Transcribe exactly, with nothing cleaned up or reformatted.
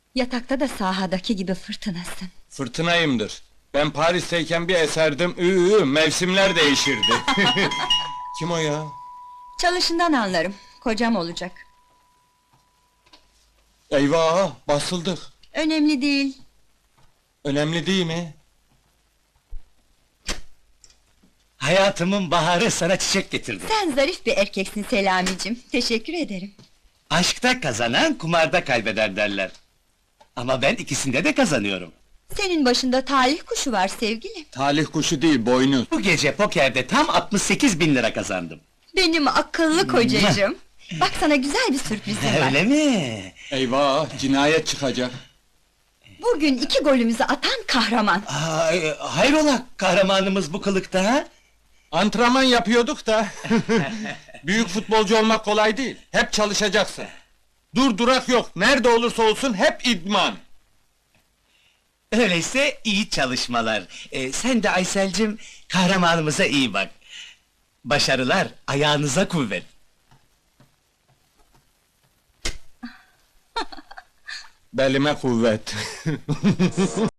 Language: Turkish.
Yatakta da sahadaki gibi fırtınasın. Fırtınayımdır. Ben Paris'teyken bir eserdim, ıı, mevsimler değişirdi. Kim o ya? Çalışından anlarım, kocam olacak. Eyvah, basıldık. Önemli değil. Önemli değil mi? Hayatımın baharı sana çiçek getirdi. Sen zarif bir erkeksin Selamicim, teşekkür ederim. Aşkta kazanan kumarda kaybeder derler. Ama ben ikisinde de kazanıyorum. Senin başında talih kuşu var sevgilim. Talih kuşu değil, boynuz. Bu gece pokerde tam altmış sekiz bin lira kazandım. Benim akıllı kocacığım. Bak sana güzel bir sürprizim var. Öyle mi? Eyvah, cinayet çıkacak. Bugün iki golümüzü atan kahraman. Aa, e, hayrola kahramanımız bu kılıkta ha? Antrenman yapıyorduk da. Büyük futbolcu olmak kolay değil. Hep çalışacaksın. Dur durak yok. Nerede olursa olsun hep idman. Öyleyse iyi çalışmalar. Ee, sen de Aysel'cim kahramanımıza iyi bak. Başarılar, ayağınıza kuvvet. Belime kuvvet.